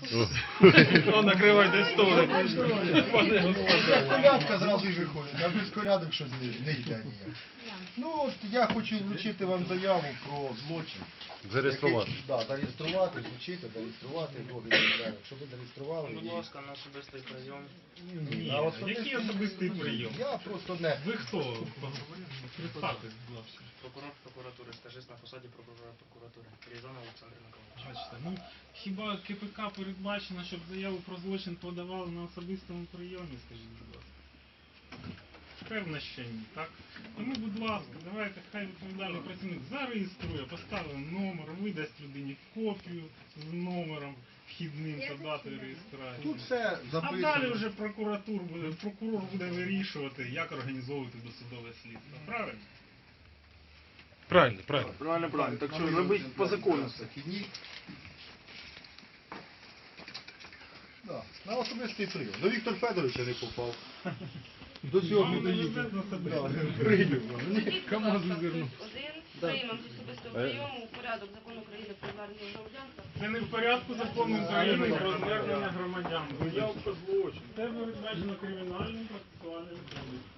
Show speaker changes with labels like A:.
A: Накривайте столи.
B: Колядка зразу й виходить, а без колядок щось не йде ніяк. Ну от я хочу вручити вам заяву про злочин.
C: Зареєструвати.
B: Так, зареєструвати, вручити, зареєструвати, щоб ви зареєстрували.
A: Будь ласка, на особистий прийом.
B: Ні,
D: Який особистий прийом?
B: Я просто не...
D: Ви хто? Представтесь, будь ласка.
A: Прокурор прокуратури, стажист на посаді прокурора прокуратури. Різанов Олександр Миколаївич.
D: Бачите, ну хіба КПК передбачено, щоб заяву про злочин подавали на особистому прийомі, скажіть, будь ласка? Певно, що ні, так? Тому, будь ласка, давайте, хай відповідальний працівник зареєструє, поставить номер, видасть людині копію з номером вхідним та датою реєстрації.
B: Тут все
D: А
B: записано.
D: далі вже прокурор буде вирішувати, як організовувати досудове слідство. Правильно?
C: Правильно, правильно.
A: Правильно. Так що робити по закону все.
B: Да, на особистий прийом. До Віктора Федоровича не попав. До цього не доїхав. Прийняв.
E: КамАЗ звернув. Приймемо з особистого прийому у порядок закону України про звернення громадянства.
D: Це не в порядку закону України про звернення громадян. Заявка злочин. Це передбачено кримінальним процесуальним кодексом.